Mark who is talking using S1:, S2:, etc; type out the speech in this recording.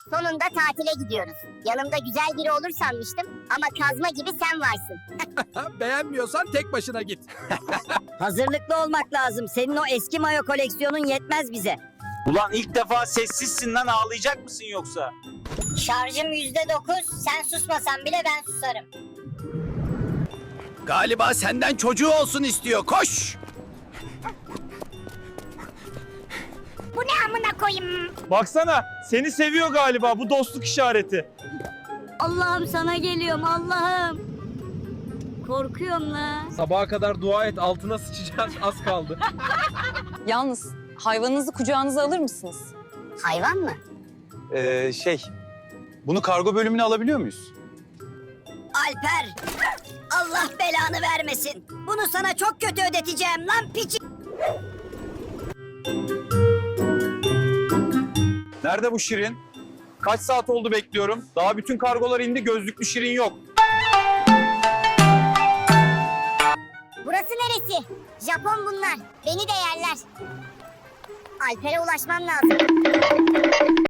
S1: Sonunda tatile gidiyoruz. Yanımda güzel biri olur sanmıştım ama kazma gibi sen varsın.
S2: Beğenmiyorsan tek başına git.
S3: Hazırlıklı olmak lazım. Senin o eski mayo koleksiyonun yetmez bize.
S4: Ulan ilk defa sessizsin lan, ağlayacak mısın yoksa?
S1: Şarjım %9. Sen susmasan bile ben susarım.
S2: Galiba senden çocuğu olsun istiyor. Koş!
S1: Bu ne amına koyayım?
S5: Baksana, seni seviyor galiba, bu dostluk işareti.
S3: Allah'ım sana geliyorum Allah'ım. Korkuyorum la.
S6: Sabaha kadar dua et, altına sıçacağız, az kaldı.
S7: Yalnız hayvanınızı kucağınıza alır mısınız?
S1: Hayvan mı?
S4: Bunu kargo bölümüne alabiliyor muyuz?
S3: Alper. Allah belanı vermesin. Bunu sana çok kötü ödeteceğim lan piçi.
S5: Nerede bu Şirin? Kaç saat oldu bekliyorum. Daha bütün kargolar indi, gözlüklü Şirin yok.
S1: Burası neresi? Japon bunlar. Beni de yerler. Alper'e ulaşmam lazım.